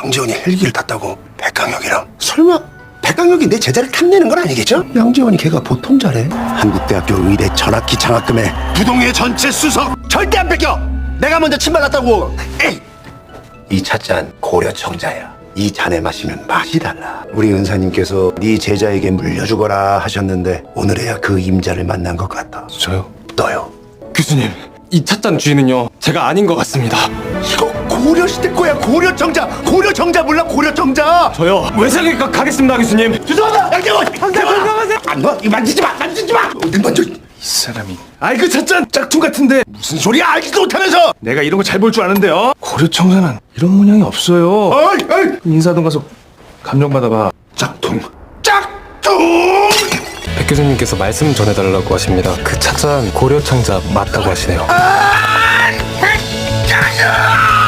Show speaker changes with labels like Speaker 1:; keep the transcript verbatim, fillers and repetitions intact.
Speaker 1: 양재원이 헬기를 탔다고 백강혁이랑. 설마 백강혁이 내 제자를 탐내는 건 아니겠죠? 양재원이 걔가 보통 잘해. 한국대학교 의대 전학기 장학금에 부동의 전체 수석 절대 안 뺏겨. 내가 먼저 침발랐다고. 에이. 이 찻잔 고려청자야. 이 잔에 마시면 맛이 달라. 우리 은사님께서 네 제자에게 물려주거라 하셨는데 오늘에야 그 임자를 만난 것 같다.
Speaker 2: 저요?
Speaker 1: 너요.
Speaker 2: 교수님, 이 찻잔 주인은요 제가 아닌 것 같습니다.
Speaker 1: 이거 고려시대 거야. 고려청자. 고려청자 몰라? 고려청자.
Speaker 2: 저요 외상외과 가겠습니다 교수님.
Speaker 1: 죄송하다. 양재원. 양재원. 안 놔. 이거 만지지 마. 만지지 마. 어딜 만져.
Speaker 2: 이 사람이 아이 그 찻잔 짝퉁 같은데
Speaker 1: 무슨 소리야? 알지도 못하면서.
Speaker 2: 내가 이런 거 잘 볼 줄 아는데요. 고려청사는 이런 문양이 없어요.
Speaker 1: 어이, 어이.
Speaker 2: 인사동 가서 감정 받아봐. 짝퉁.
Speaker 1: 짝퉁.
Speaker 3: 백 교수님께서 말씀 전해달라고 하십니다. 그 찻잔 고려청자 맞다고 하시네요.
Speaker 1: 아!